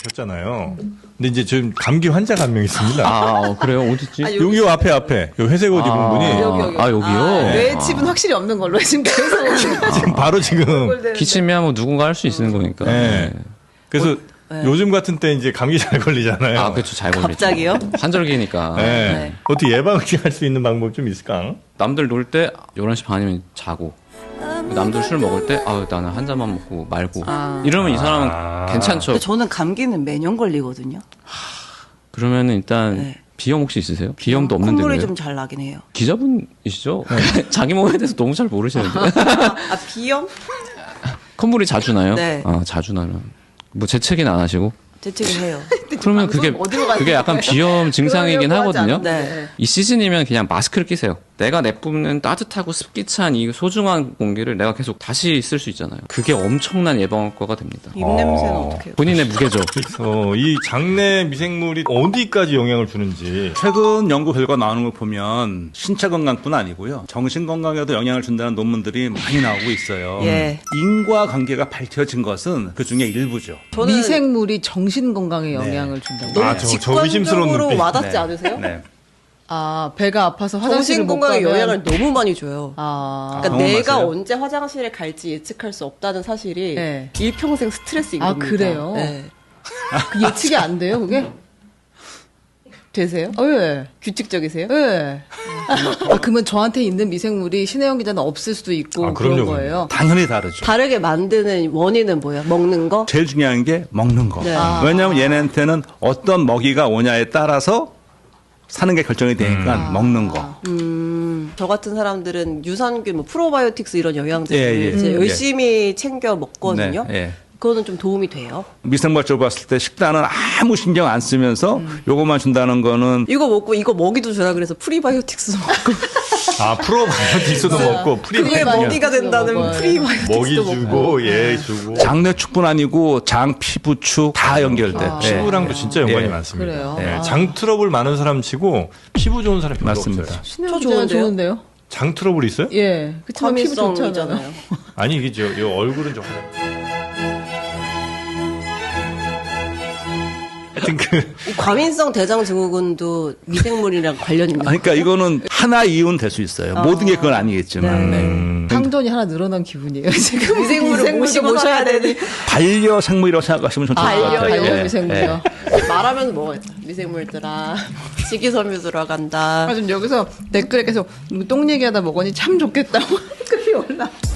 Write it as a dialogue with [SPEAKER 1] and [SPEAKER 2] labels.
[SPEAKER 1] 셨잖아요. 근데 이제 지금 감기 환자가 한 명 있습니다.
[SPEAKER 2] 그래요? 어딨지?
[SPEAKER 1] 여기 앞에 요 회색 옷 입은 분이
[SPEAKER 2] 여기. 여기요?
[SPEAKER 3] 뇌 칩은 확실히 없는 걸로 지금 계속.
[SPEAKER 1] 지금 바로 지금
[SPEAKER 2] 기침이야 뭐 누군가 할 수 있는 거니까.
[SPEAKER 1] 네. 그래서 요즘 같은 때 이제 감기 잘 걸리잖아요.
[SPEAKER 2] 그렇죠. 잘 걸리죠.
[SPEAKER 3] 갑자기요?
[SPEAKER 2] 환절기니까.
[SPEAKER 1] 네. 어떻게 예방할 수 있는 방법 좀 있을까?
[SPEAKER 2] 남들 놀 때 11시 반이면 자고. 남들 술 먹을 때 나는 한 잔만 먹고 말고. 이러면 이 사람은 괜찮죠.
[SPEAKER 3] 근데 저는 감기는 매년 걸리거든요.
[SPEAKER 2] 그러면은 일단 비염 혹시 있으세요? 비염도 없는데.
[SPEAKER 3] 콧물이 좀 잘 나긴 해요.
[SPEAKER 2] 기자분이시죠? 자기 몸에 대해서 너무 잘 모르시는데.
[SPEAKER 3] 비염?
[SPEAKER 2] 콧물이 자주 나요?
[SPEAKER 3] 네.
[SPEAKER 2] 자주 나면. 뭐 재채기는 안 하시고?
[SPEAKER 3] 재채기 해요.
[SPEAKER 2] 그러면 그게 약간 비염 증상이긴 하거든요.
[SPEAKER 3] 네.
[SPEAKER 2] 이 시즌이면 그냥 마스크를 끼세요. 내가 내뿜는 따뜻하고 습기 찬 이 소중한 공기를 내가 계속 다시 쓸 수 있잖아요. 그게 엄청난 예방 효과가 됩니다.
[SPEAKER 3] 입냄새는 어떻게 해요?
[SPEAKER 2] 본인의 무게죠.
[SPEAKER 1] 이 장내 미생물이 어디까지 영향을 주는지.
[SPEAKER 4] 최근 연구 결과 나오는 걸 보면 신체 건강뿐 아니고요. 정신 건강에도 영향을 준다는 논문들이 많이 나오고 있어요.
[SPEAKER 3] 예.
[SPEAKER 4] 인과관계가 밝혀진 것은 그중에 일부죠.
[SPEAKER 3] 저는
[SPEAKER 5] 미생물이 정신 건강에 영향을 준다고.
[SPEAKER 1] 저 의심스러운
[SPEAKER 3] 직관적으로
[SPEAKER 1] 눈빛.
[SPEAKER 3] 와닿지 않으세요?
[SPEAKER 4] 네.
[SPEAKER 5] 배가 아파서 화장실을
[SPEAKER 3] 정신
[SPEAKER 5] 못
[SPEAKER 3] 건강에
[SPEAKER 5] 가면
[SPEAKER 3] 영향을 너무 많이 줘요. 그러니까
[SPEAKER 4] 경험하세요?
[SPEAKER 3] 내가 언제 화장실에 갈지 예측할 수 없다는 사실이
[SPEAKER 5] 네.
[SPEAKER 3] 일평생 스트레스인 겁니다.
[SPEAKER 5] 그래요?
[SPEAKER 3] 네.
[SPEAKER 5] 그 예측이 안 돼요, 그게?
[SPEAKER 3] 되세요?
[SPEAKER 5] 예.
[SPEAKER 3] 규칙적이세요?
[SPEAKER 5] 예. 그러면 저한테 있는 미생물이 신혜영 기자는 없을 수도 있고 그런
[SPEAKER 1] 그럼요,
[SPEAKER 5] 거예요.
[SPEAKER 4] 당연히 다르죠.
[SPEAKER 3] 다르게 만드는 원인은 뭐예요? 먹는 거?
[SPEAKER 4] 제일 중요한 게 먹는 거.
[SPEAKER 3] 네.
[SPEAKER 4] 왜냐하면 얘네한테는 어떤 먹이가 오냐에 따라서 사는 게 결정이 되니까 먹는 거.
[SPEAKER 3] 저 같은 사람들은 유산균, 프로바이오틱스 이런 영양제를
[SPEAKER 4] 예.
[SPEAKER 3] 이제 열심히 챙겨 먹거든요.
[SPEAKER 4] 네, 예.
[SPEAKER 3] 그거는 좀 도움이 돼요.
[SPEAKER 4] 미생물적으로 봤을 때 식단은 아무 신경 안 쓰면서 요것만 준다는 거는
[SPEAKER 3] 이거 먹고 이거 먹이도 주라 그래서 프리바이오틱스도 먹고
[SPEAKER 1] 프로바이오틱스도 먹고
[SPEAKER 3] 그게
[SPEAKER 1] 프리바이오틱스
[SPEAKER 3] 먹이가 된다는
[SPEAKER 5] 먹어요.
[SPEAKER 1] 먹이
[SPEAKER 3] 프리바이오틱스도 먹고
[SPEAKER 1] 주고 주고.
[SPEAKER 4] 장내 축뿐 아니고 장, 피부 축 다 연결돼.
[SPEAKER 1] 피부랑도 진짜 연관이
[SPEAKER 4] 예.
[SPEAKER 1] 많습니다.
[SPEAKER 5] 그래요?
[SPEAKER 1] 네, 장 트러블 많은 사람 치고 피부 좋은 사람 별로
[SPEAKER 4] 맞습니다.
[SPEAKER 1] 없어요.
[SPEAKER 5] 신혜영
[SPEAKER 3] 저
[SPEAKER 5] 기자는
[SPEAKER 3] 좋은데요?
[SPEAKER 5] 좋은데요?
[SPEAKER 1] 장 트러블 있어요?
[SPEAKER 5] 예. 그치만 피부 좋잖아요.
[SPEAKER 3] 과민성이잖아요.
[SPEAKER 1] 아니 이게 이 얼굴은 좀 하여튼
[SPEAKER 3] 이 과민성 대장 증후군도 미생물이랑 관련 있는
[SPEAKER 4] 그러니까 이거는 하나 이유는 될 수 있어요. 모든 게 그건 아니겠지만. 네.
[SPEAKER 5] 상전이 하나 늘어난 기분이에요. 지금
[SPEAKER 3] 미생물을 모시고 모셔야 되니
[SPEAKER 4] 반려생물이라고 생각하시면 좀 좋을 것 같아요.
[SPEAKER 5] 반려용
[SPEAKER 4] 예.
[SPEAKER 5] 미생물이요.
[SPEAKER 3] 말하면서 먹어야죠. 미생물들아 식이섬유 들어간다.
[SPEAKER 5] 지금 여기서 댓글에 계속 똥 얘기하다 먹으니 참 좋겠다고 댓글이 올라.